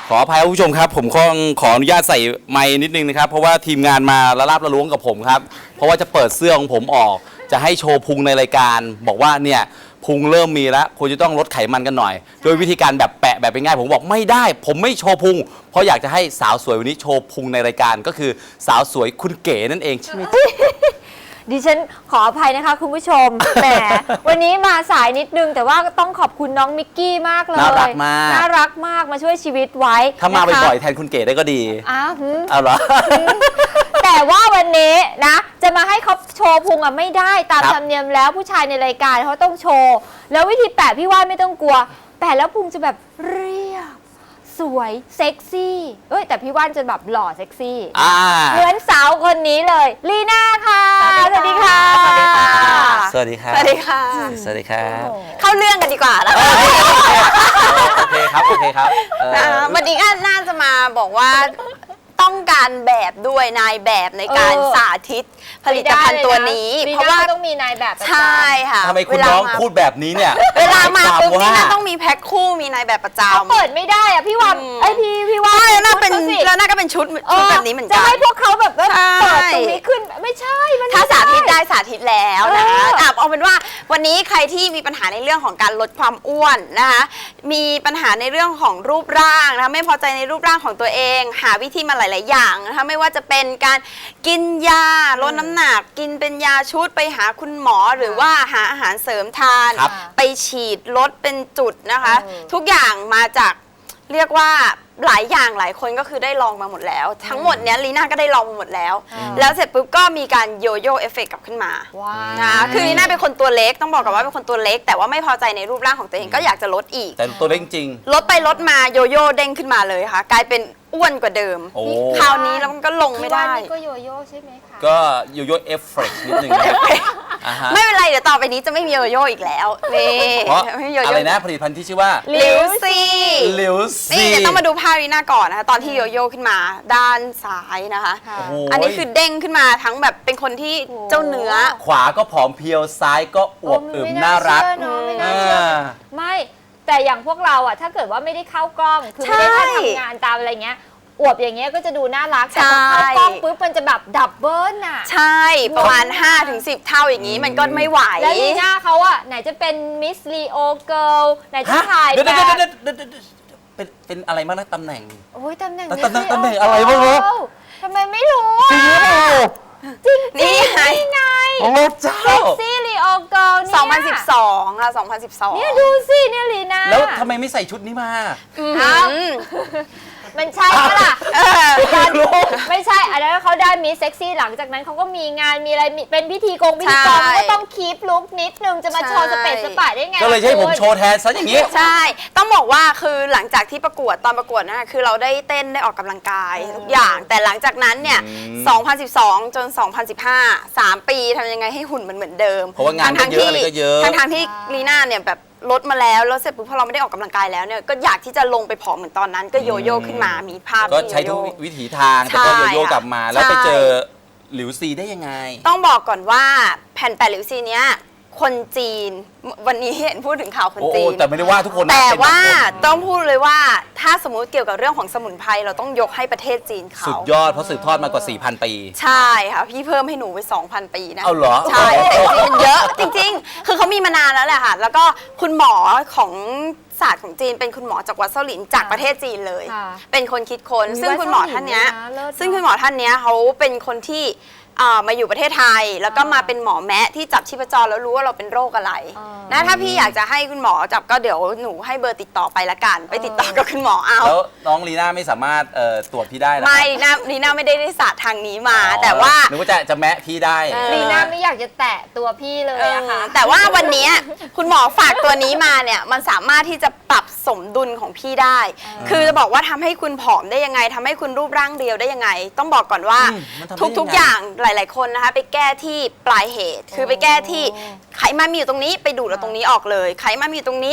ขออภัยผู้ชมครับผมขออนุญาตใส่ไมค์นิดนึงนะครับเพราะว่าทีมงานมาละลาบละล้วงกับผมครับเพราะว่าจะเปิดเสื้อของผมออกจะให้โชว์พุงในรายการบอกว่าเนี่ยพุงเริ่มมีแล้วควรจะต้องลดไขมันกันหน่อยโดยวิธีการแบบแปะแบบเป็นง่ายผมบอกไม่ได้ผมไม่โชว์พุงเพราะอยากจะให้สาวสวยวันนี้โชว์พุงในรายการก็คือสาวสวยคุณเก๋นั่นเองใช่ไหมดิฉันขออภัยนะคะคุณผู้ชมแหมวันนี้มาสายนิดนึงแต่ว่าต้องขอบคุณน้องมิกกี้มากเลยน่ารักมากน่ารักมากมาช่วยชีวิตไว้ถ้ามาบ่อยๆแทนคุณเก๋ได้ก็ดีอ้าวเอาเหรอแต่ว่าวันนี้นะจะมาให้เขาโชว์พุงอ่ะไม่ได้ตามธรรมเนียมแล้วผู้ชายในรายการเขาต้องโชว์แล้ววิธีแปะพี่ว่าไม่ต้องกลัวแปะแล้วพุงจะแบบเรียบสวยเซ็กซี่แต่พี่ว่านจะแบบหล่อเซ็กซี่เหมือนสาวคนนี้เลยลีน่าค่ะสวัสดีค่ะสวัสดีค่ะสวัสดีค่ะสวัสดีค่ะเข้าเรื่องกันดีกว่าแล้วโอเคครับโอเคครับวันนี้ก็น่าจะมาบอกว่าต้องการแบบด้วยนายแบบในการสาธิตผลิตภัณฑ์ตัวนี้เพราะว่าต้องมีนายแบบใช่ค่ะทำไมคุณน้องพูดแบบนี้เนี่ยเวลามาปุ๊บนี่น่าต้องมีแพ็คคู่มีนายแบบประจำเปิดไม่ได้อะพี่ว่าพี่ว่าแล้วน่าก็เป็นชุดแบบนี้เหมือนกันจะให้พวกเขาแบบเปิดตรงนี้ขึ้นไม่ใช่ถ้าสาธิตได้สาธิตแล้วนะคะเอาเป็นว่าวันนี้ใครที่มีปัญหาในเรื่องของการลดความอ้วนนะคะมีปัญหาในเรื่องของรูปร่างนะคะไม่พอใจในรูปร่างของตัวเองหาวิธีมาหลายๆอย่างนะคะไม่ว่าจะเป็นการกินยาลดน้ำหนักกินเป็นยาชุดไปหาคุณหมอหรือว่าหาอาหารเสริมทานไปฉีดลดเป็นจุดนะคะทุกอย่างมาจากเรียกว่าหลายอย่างหลายคนก็คือได้ลองมาหมดแล้วทั้งหมดเนี้ยลีน่าก็ได้ลองมาหมดแล้วแล้วเสร็จปุ๊บก็มีการโยโย่เอฟเฟกต์กลับขึ้นมาคือลีน่าเป็นคนตัวเล็กต้องบอกก่อนว่าเป็นคนตัวเล็กแต่ว่าไม่พอใจในรูปร่างของตัวเองก็อยากจะลดอีกแต่ตัวเล็กจริงลดไปลดมาโยโย่เด้งขึ้นมาเลยค่ะกลายเป็นอ้วนกว่าเดิมคราวนี้แล้วมันก็ลงไม่ได้ก็โยโย่ใช่ไหมคะก็โยโย่เอฟเฟกต์นิดนึงไม่เป็นไรเดี๋ยวต่อไปนี้จะไม่มีโยโย่อีกแล้วนี่เพราะอะไรนะผลิตภัณฑ์ที่ชื่อว่าลิวซีนี่เดี๋ยวต้องมาดูภาพลีน่าก่อนนะคะตอนที่โยโย่ขึ้นมาด้านซ้ายนะคะอันนี้คือเด้งขึ้นมาทั้งแบบเป็นคนที่เจ้าเนื้อขวาก็ผอมเพียวซ้ายก็อวบอึมน่ารักไม่แต่อย่างพวกเราอ่ะถ้าเกิดว่าไม่ได้เข้ากล้องคือไม่ได้ทำงานตามอะไรเงี้ยอวบอย่างเงี้ยก็จะดูน่ารักแต่พอเข้ากล้องปุ๊บมันจะแบบดับเบิลอ่ะใช่ประมาณ 5-10 เท่าอย่างนี้มันก็ไม่ไหวแล้วลีน่าเขาอ่ะไหนจะเป็นมิสลีโอเกิร์ลไหนจะถ่ายแบบเป็นอะไรบ้างนะตำแหน่งโอ้ยตำแหน่งอะไรบ้างวะทำไมไม่รู้จริงนี่ไงโอ้เจ้าเซ็กซี่ลีโอเกิร์ลเนี่ย 2012ค่ะ2012 เนี่ยดูสิเนี่ยลีน่าแล้วทำไมไม่ใส่ชุดนี้มามันใช่ปะล่ะไม่ใช่อันนั้นเขาได้มีเซ็กซี่หลังจากนั้นเขาก็มีงานมีอะไรเป็นพิธีกรก็ต้องคีปลุคนิดนึงจะมาโชว์สเปซสปาได้ไงก็เลยให้ผมโชว์แทนซะอย่างนี้ใช่ต้องบอกว่าคือหลังจากที่ประกวดตอนประกวดนะคือเราได้เต้นได้ออกกำลังกายทุกอย่างแต่หลังจากนั้นเนี่ย2012จน2015 3 ปีทำยังไงให้หุ่นมันเหมือนเดิมเพราะว่างานเยอะอะไรก็เยอะทางที่ลีน่าเนี่ยแบบลดมาแล้วเสร็จปุ๊บพอเราไม่ได้ออกกำลังกายแล้วเนี่ยก็อยากที่จะลงไปผอมเหมือนตอนนั้นก็โยโย่ขึ้นมามีภาพก็ใช้ทุกวิถีทางแต่ก็โยโย่กลับมาแล้วไปเจอหลิวซีได้ยังไงต้องบอกก่อนว่าแผ่นแปะหลิวซีเนี้ยคนจีนวันนี้เห็นพูดถึงข่าวคนจีนแต่ไม่ได้ว่าทุกคนแต่ว่าต้องพูดเลยว่าถ้าสมมุติเกี่ยวกับเรื่องของสมุนไพรเราต้องยกให้ประเทศจีนเขาสุดยอดเพราะสืบทอดมากว่า 4,000 ปีใช่ค่ะพี่เพิ่มให้หนูไป 2,000 ปีนะเอาเหรอใช่แต่จริงมันเยอะจริงๆคือเขามีมานานแล้วแหละค่ะแล้วก็คุณหมอของศาสตร์ของจีนเป็นคุณหมอจากวัดเซาหลินจากประเทศจีนเลยเป็นคนคิดค้นซึ่งคุณหมอท่านเนี้ยเขาเป็นคนที่มาอยู่ประเทศไทยแล้วก็มาเป็นหมอแมะที่จับชีพจรแล้วรู้ว่าเราเป็นโรคอะไรนะถ้าพี่อยากจะให้คุณหมอจับก็เดี๋ยวหนูให้เบอร์ติดต่อไปละกันไปติดต่อกับคุณหมอเอาแล้วน้องลีน่าไม่สามารถตรวจพี่ได้หรอไม่ลีน่าไม่ได้ศาสตร์ทางนี้มาแต่ว่าหนูจะแมะพี่ได้ลีน่าไม่อยากจะแตะตัวพี่เลยอะค่ะแต่ว่าวันนี้คุณหมอฝากตัวนี้มาเนี่ยมันสามารถที่จะปรับสมดุลของพี่ได้คือจะบอกว่าทำให้คุณผอมได้ยังไงทำให้คุณรูปร่างเรียวได้ยังไงต้องบอกก่อนว่าทุกอย่างหลายๆคนนะคะไปแก้ที่ปลายเหตุคือไปแก้ที่ไขมันมีอยู่ตรงนี้ไปดูดเอาตรงนี้ออกเลยไขมันมีอยู่ตรงนี้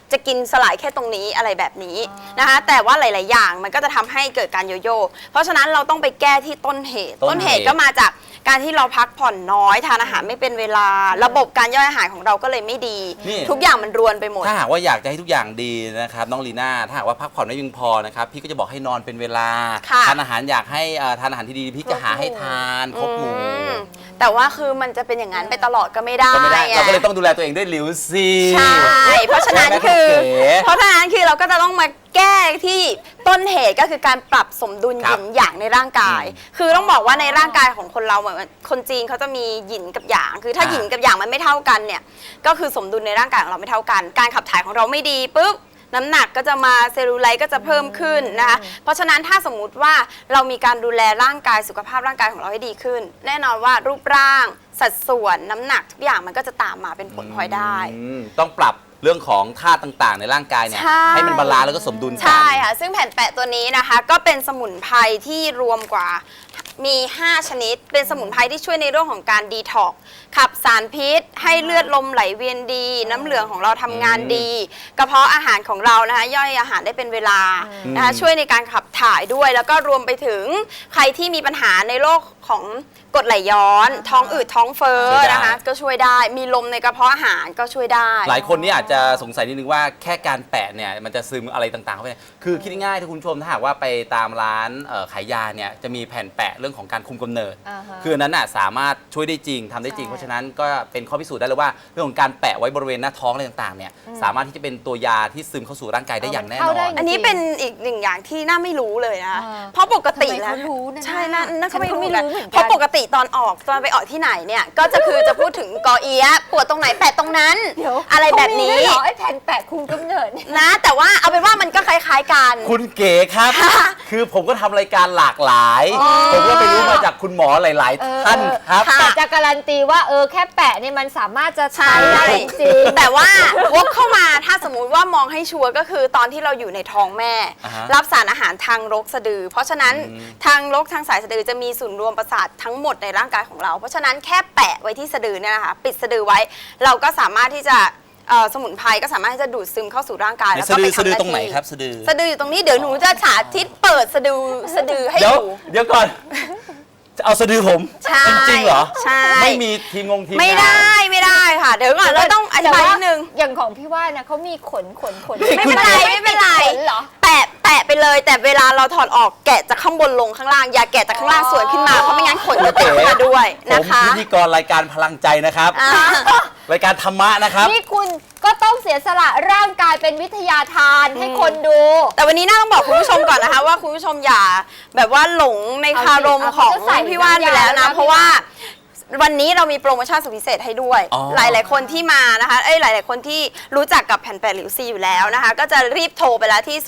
จะกินสลายแค่ตรงนี้อะไรแบบนี้นะคะแต่ว่าหลาย ๆ อย่างมันก็จะทำให้เกิดการโยโย่เพราะฉะนั้นเราต้องไปแก้ที่ต้นเหตุต้นเหตุก็มาจากการที่เราพักผ่อนน้อยทานอาหารไม่เป็นเวลา ระบบการย่อยอาหารของเราก็เลยไม่ดีนี่ทุกอย่างมันรวนไปหมดถ้าหากว่าอยากจะให้ทุกอย่างดีนะครับน้องลีน่าถ้าหากว่าพักผ่อนไม่เพียงพอนะครับพี่ก็จะบอกให้นอนเป็นเวลาค่ะทานอาหารอยากให้ทานอาหารที่ดีพี่จะหาให้ทานครบหมู่แต่ว่าคือมันจะเป็นอย่างนั้นไปตลอดก็ไม่ได้ก็ไม่ได้ไงเราก็เลยต้องดูแลตัวเองด้วยลิวซี่ใช่ เพราะฉะนั้นคือ เพราะฉะนั้นคือเราก็จะต้องมาแก้ที่ต้นเหตุก็คือการปรับสมดุลหยินหยางในร่างกาย คือต้องบอกว่าในร่างกายของคนเราเหมือนคนจีนเขาจะมีหยินกับหยาง คือถ้าหยินกับหยางมันไม่เท่ากันเนี่ย ก็คือสมดุลในร่างกายของเราไม่เท่ากัน การขับถ่ายของเราไม่ดีปุ๊บ น้ำหนักก็จะมาเซลลูไลท์ก็จะเพิ่มขึ้นนะคะ เพราะฉะนั้นถ้าสมมุติว่าเรามีการดูแลร่างกายสุขภาพร่างกายของเราให้ดีขึ้น แน่นอนว่ารูปร่าง สัดส่วนน้ำหนักทุกอย่างมันก็จะตามมาเป็นผลพลอยได้ต้องปรับเรื่องของธาตุต่างๆ ในร่างกายเนี่ยใช่ให้มันบาลานซ์แล้วก็สมดุลกันใช่ค่ะ ซึ่งแผ่นแปะตัวนี้นะคะ ก็เป็นสมุนไพรที่รวมกว่ามี 5 ชนิด เป็นสมุนไพรที่ช่วยในเรื่องของการดีท็อกซ์ขับสารพิษ ให้เลือดลมไหลเวียนดี น้ำเหลืองของเราทำงานดี กระเพาะอาหารของเรานะคะ ย่อยอาหารได้เป็นเวลานะคะช่วยในการขับถ่ายด้วย แล้วก็รวมไปถึงใครที่มีปัญหาในโรคของกรดไหลย้อน ท้องอืดท้องเฟ้อช่วยได้นะคะ ก็ช่วยได้ มีลมในกระเพาะอาหารก็ช่วยได้หลายคนนี่อาจจะสงสัยนิดนึงว่าแค่การแปะเนี่ยมันจะซึมอะไรต่างๆเข้าไปคือคิดง่ายๆถ้าคุณผู้ชมถ้าหากว่าไปตามร้านขายยาเนี่ยจะมีแผ่นแปะเรื่องของการคุมกำเนิดอ่าฮะคืออันนั้นน่ะสามารถช่วยได้จริงทำได้จริงใช่เพราะฉะนั้นก็เป็นข้อพิสูจน์ได้เลยว่าเรื่องของการแปะไว้บริเวณหน้าท้องอะไรต่างๆเนี่ยสามารถที่จะเป็นตัวยาที่ซึมเข้าสู่ร่างกายได้อย่างแน่นเข้าอได้นอันนี้เป็นอีกหนึ่งอย่างที่น่าไม่รู้เลยนะอ่าเพราะปกติทำไมแล้วเขารู้นะใช่น่าก็ไม่ฉันก็รู้ไม่กันรู้เหมือนกันเพราะปกติตอนไปออกที่ไหนเนี่ย ก็จะคือจะพูดถึงกอเอียะปวดตรงไหนแปะตรงนั้นเดี๋ยวอะไรแบบนี้เขามีด้วยเหรอไอ้แผ่นแปะคุมกำเนิดเนี่ยนะ แต่ว่าเอาเป็นว่ามันก็คล้ายๆกันคุณเก๋ครับ คือผมก็ทำรายการหลากหลายอ๋อผมก็ไปรู้มาจากคุณหมอหลาย ๆ ท่านครับค่ะแต่จะการันตีว่าแค่แปะเนี่ยมันสามารถจะใช่ใช้ได้จริงๆแต่ว่าวกเข้ามาถ้าสมมุติว่ามองให้ชัวร์ก็คือตอนที่เราอยู่ในท้องแม่อ่าฮะรับสารอาหารทางรกสะดือ เพราะฉะนั้นทางรกทางสายสะดือจะมีศูนย์รวมประสาททั้งหมดในร่างกายของเรา เพราะฉะนั้นแค่แปะไว้ที่สะดือเนี่ยนะคะปิดสะดือไว้ เราก็สามารถที่จะสมุนไพรก็สามารถที่จะดูดซึมเข้าสู่ร่างกายแล้วสะก็ดืไปอสะดือทำาตรงไหนที่ครับสะดือสะดืออยู่ตรงนี้เดี๋ยวหนูจะสาธิตเปิดสะดือให้เดี๋ยวดูเดี๋ยวก่อน จะเอาสะดือผมใช่จริงๆเหรอใช่ไม่มีทีมทีมไม่งานได้ค่ะ เดี๋ยวก่อนเราต้องอธิบายนิดนึงอย่างของพี่ว่านะเขามีขนไม่เป็นไรไม่เป็นไรขนเหรอแปะไปเลยแต่เวลาเราถอดออกแกะจากข้างบนลงข้างล่างอย่าแกะจากข้างล่างสวนขึ้นมาเพราะไม่งั้นขนจะติดขึ้นมาด้วยผนะมคะพิธีกรรายการพลังใจนะครับอ่ารายการธรรมะนะครับนี่คุณก็ต้องเสียสละร่างกายเป็นวิทยาทานให้คนดูแต่วันนี้น่าต้องบอกคุณผู้ชมก่อนนะคะ ว่าคุณผู้ชมอย่าแบบว่าหลงในคารมเอาสิของเอาเขาจะใส่พี่ว่านไปแล้วนะน้ำยาเพราะว่าวันนี้เรามีโปรโมชั่นสุดพิเศษให้ด้วยอ๋อหลาย ๆ คนที่มานะคะหลาย ๆ คนที่รู้จักกับแผ่นแปะหลิวซีอยู่แล้วนะคะ ก็จะรีบโทรไปแล้วที่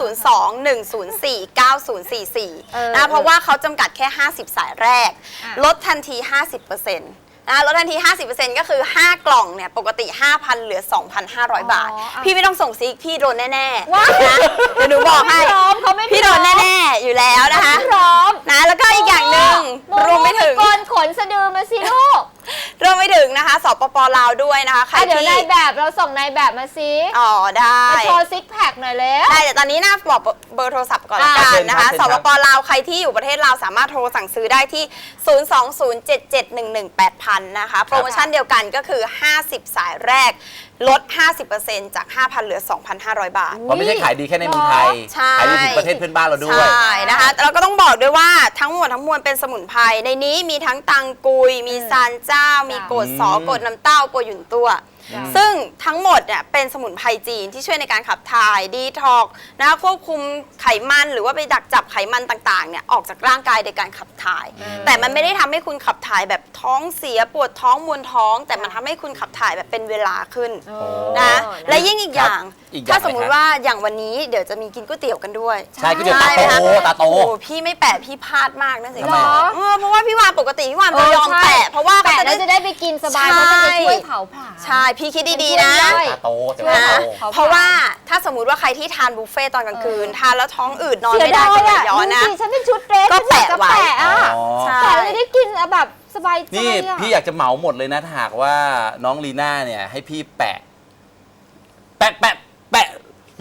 02-104-9044 นะเพราะว่าเขาจำกัดแค่ 50 สายแรก ลดทันที 50%ลดทันที 50%ก็คือ 5 กล่องเนี่ยปกติ 5,000 เหลือ 2,500 บาทอ๋ออ่ะพี่ไม่ต้องส่งซิกพี่โดนแน่ๆว้ายนะเดี๋ยวหนูบอกให้เขาไม่พร้อมพี่โดนแน่ๆอยู่แล้วนะคะพร้อมนะแล้วก็อีกอย่างหนึ่งรวมไปถึงโกนขนสะดือมาสิลูกรวมไปถึงนะคะสปปลาวด้วยนะคะใครเดี๋ยวที่นายแบบเราส่งนายแบบมาสิอ๋อได้มาโชว์ซิกแพคหน่อยแล้วได้แต่ตอนนี้นะบอกเบอร์โทรศัพท์ก่อนละกันนะคะเชิญครับสปปลาวใครที่อยู่ประเทศลาวสามารถโทรสั่งซื้อได้ที่ 02077118000 นะคะ โปรโมชั่นเดียวกันก็คือ 50 สายแรก ลด 50% จาก 5,000 เหลือ 2,500 บาทเพราะไม่ใช่ขายดีแค่ในเมืองไทยใช่ขายดีถึงประเทศเพื่อนบ้านเราด้วยใช่นะคะแต่เราก็ต้องบอกด้วยว่าทั้งหมดทั้งมวลเป็นสมุนไพรในนี้มีทั้งตังกุย มีซานเจ้า มีโกดสอ โกดน้ำเต้า โกดหยุนตัว ซึ่งทั้งหมดเนี่ยเป็นสมุนไพรจีนที่ช่วยในการขับถ่ายดีท็อกนะคะควบคุมไขมันหรือว่าไปดักจับไขมันต่างๆเนี่ยออกจากร่างกายโดยการขับถ่าย แต่มันไม่ได้ทำให้คุณขับถ่ายแบบท้องเสียปวดท้องมวนท้อง แต่มันทำให้คุณขับถ่ายแบบเป็นเวลาขึ้น นะและยิ่งอีกอย่างอีกอย่างถ้าสมมุไหมติครับว่าอย่างวันนี้เดี๋ยวจะมีกินก๋วยเตี๋ยวกันด้วยใช่ก๋วยเตี๋ยวใช่ไหมคะตาโตโอ้พี่ไม่แปะพี่พลาดมากนะสิทำไมเพราะว่าพี่วานปกติพี่วานจะยอมแปะเพราะว่าแปะเขาแล้วจะจะได้ได้ไปกินสบายใช่เพราะมันจะช่วยเผาผลาญใช่พี่คิดดีๆนะช่วยตาโตแต่ช่วยว่านะโตเขาเพราะว่าถ้าสมมุติว่าใครที่ทานบุฟเฟ่ต์ตอนกลางคืน ทานแล้วท้องอืดนอนเสียไม่ได้ดายก็ไหลอ่ะย้อนนะดูสิฉันเป็นชุดเดรสก็แปะฉันไว้อยากจะแปะอ่ะอ๋อใช่แปะแล้วจะได้กินแบบสบายใจนี่อ่ะพี่อยากจะเหมาหมดเลยนะถ้าหากว่าน้องลีน่าเนี่ยให้พี่แปะ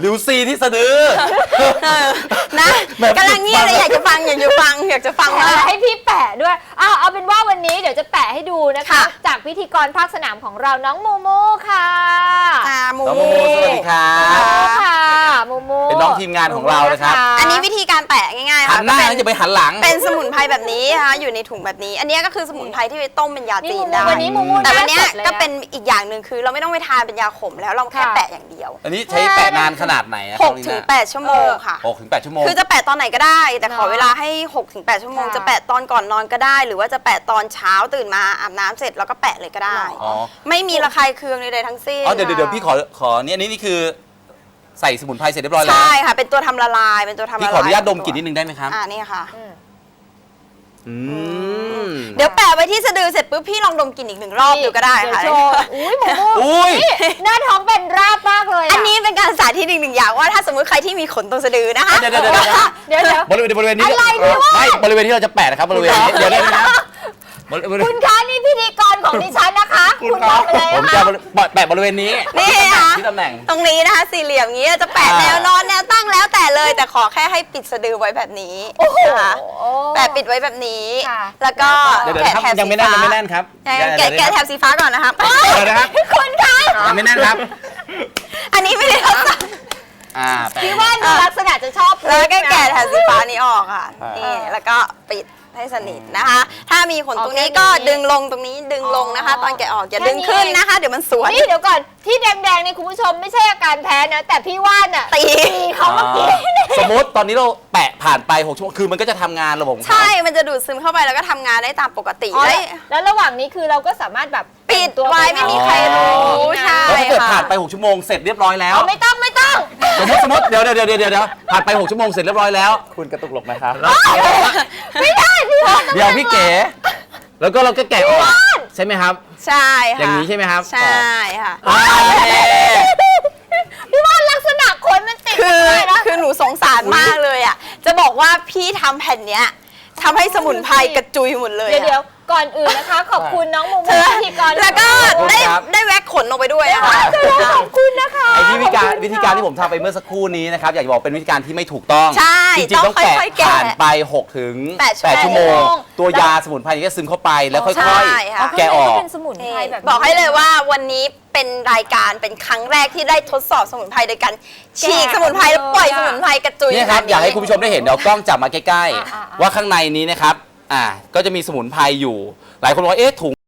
หลิวซีที่สะดือนะแบบกำลังเงียบเลยอยากจะฟังอยากจะฟังแปะมากให้พี่แปะด้วยเอาเป็นว่าวันนี้เดี๋ยวจะแปะให้ดูนะคะค่ะจากพิธีกรภาคสนามของเราน้องโมโมค่ะมูน้องโมโมสวัสดีครัโมบค่ะโมโมเป็นน้องทีมงานของเรานะครับอันนี้วิธีการแปะง่ายๆหัค่ะนหน้าก็แล้วจะไปหันหลังเป็นสมุนไพรแบบนี้นะคะอยู่ในถุงแบบนี้ อันนี้ก็คือสมุนไพรที่ไปต้มเป็นยานี่จีโมนโมได้วันนี้โมโมแต่วันเนี้ยหาสดลยะก็เป็นอีกอย่างหนึ่งคือเราไม่ต้องไปทานเป็นยาขมแล้วเราแค่ค่ะแปะอย่างเดียวอันนี้ใช้แปะนานขนาดไหนอะ 6 ถึง 8 ชั่วโมงค่ะ 6 ถึง 8 ชั่วโมงคือจะแปะตอนไหนก็ได้ แต่ขอเนอะเวลาให้ 6 ถึง 8 ชั่วโมงค่ะจะแปะตอนก่อนนอนก็ได้ หรือว่าจะแปะตอนเช้าตื่นมาอาบน้ำเสร็จแล้วก็แปะเลยก็ได้อ๋อไม่มีระคายเคืองใดๆทั้งสิ้นอ๋อเดี๋ยวพี่ขอเนี่ยนี่คือใส่สมุนไพรเสร็จเรียบร้อยแล้วใช่ค่ะเป็นตัวทำละลายเป็นตัวทำละลายพี่ขออนุญาตดมกลิ่นนิดนึงได้ไหมครับนี่ค่ะอืมเดี๋ยวแปะไว้ที่สะดือเสร็จปุ๊บพี่ลองดมกลิ่นอีก1 รอบดูก็ได้ค่ะเยวโชว์อุ้ยโมโมอุ้ยนี่หน้าท้องเป็นราบมากเลยะอันนี้เป็นการสาธิตอีก 1 อย่างว่าถ้าสมมติใครที่มีขนตรงสะดือนะคะเดี๋ยวเดี๋ยวบริเวณนี้อะไรพี่วาดไม่บริเวณที่เราจะแปะนะครับบริเวณนี้เดี๋ยวนะบริเวณคุณคะนี่พิธีกรของดิฉันนะคะ คุณบอกไปเลยผมนะจะคะแปะบริเวณนี้นี่ค่ะที่ตำแหน่งตรงนี้นะคะสี่เหลี่ยมอย่างนี้จะแปะแนวนอนแนวตั้งแล้วแต่เลย แต่ขอแค่ให้ปิดสะดือไว้แบบนี้นะคะแปะปิดไว้แบบนี้ค่ะแล้วก็เดี๋ยวแกะครับแถบยังสีไม่แน่นฟ้ายังไม่แน่นครับแกะแถบสีฟ้าก่อนนะครับเดี๋ยวนะครับคุณคะยังไม่แน่นครับอันนี้ไม่ได้ทดสอบแปะพี่ว่าดูลักษณะจะชอบแล้วก็แกะแถบสีฟ้านี้ออกค่ะอ่านี่นี่แล้วก็ปิดให้สนิทนะคะ ถ้ามีขนตรงนี้ก็ดึงลงตรงนี้ดึงลงนะคะ ตอนแกะออกอย่าดึงขึ้นนะคะ เดี๋ยวมันสวนนี่เดี๋ยวก่อนที่แดงๆนี่คุณผู้ชมไม่ใช่อาการแพ้นะ แต่พี่ว่านน่ะตีเขาเมื่อกี้สมมติตอนนี้เราแปะผ่านไป6 ชั่วโมงคือมันก็จะทำงานระบบของเขาใช่ มันจะดูดซึมเข้าไปแล้วก็ทำงานได้ตามปกติอ๋อได้แล้วระหว่างนี้คือเราก็สามารถแบบปิดตัวไว้ไม่มีใครรู้ใช่แล้วถ้าเกิดค่ะผ่านไป6 ชั่วโมงเสร็จเรียบร้อยแล้วเอาไม่ต้องสมมติเดี๋ยวผ่านไป6 ชั่วโมงเสร็จเรียบร้อยแล้ว คุณกระตุกหลบไหมครับไม่ได้พี่ว่านเดี๋ยวพี่เก๋แล้วก็เราก็แกะออกใช่ไหมครับใช่ค่ะอย่างนี้ใช่ไหมครับใช่ค่ะโอเคพี่ว่านลักษณะขนมันติดคือเลยนะคือหนูสงสารมากเลยอ่ะ จะบอกว่าพี่ทำแผ่นเนี้ยทำให้สมุนไพรกระจุยหมดเลยเดี๋ยวอะก่อนอื่นนะคะ ขอบคุณน้องโมโมเธอพิธีกรแล้วก็ขอบคุณได้ครับได้แว็กขนลงไปด้วยนะคะขอบคุณนะคะไอ้วิธีการขอบคุณค่ะวิธีการที่ผมทำไปเมื่อสักครู่นี้นะครับอยากจะบอกเป็นวิธีการที่ไม่ถูกต้องใช่จริงๆต้องต้องแกะค่อยๆแกะผ่านไป6 ถึง 8 8 ชั่วโมงชั่วโมงตัวยาสมุนไพรจะซึมเข้าไปแล้วค่ใช่อยค่ะๆแกะออกเป็นสมุนไพรแบบนี้บอกให้เลยว่าวันนี้เป็นรายการเป็นครั้งแรกที่ได้ทดสอบสมุนไพรโดยการฉีกสมุนไพรแล้วปล่อยสมุนไพรกระจุยเนี่ยครับขนดอยากให้คุณผู้ชมได้เห็นเดี๋ยวกล้องจับมาใกล้อ่าๆ ว่าข้างในนี้นะครับก็จะมีสมุนไพรอยู่ หลายคนบอกว่าเอ๊ะถุง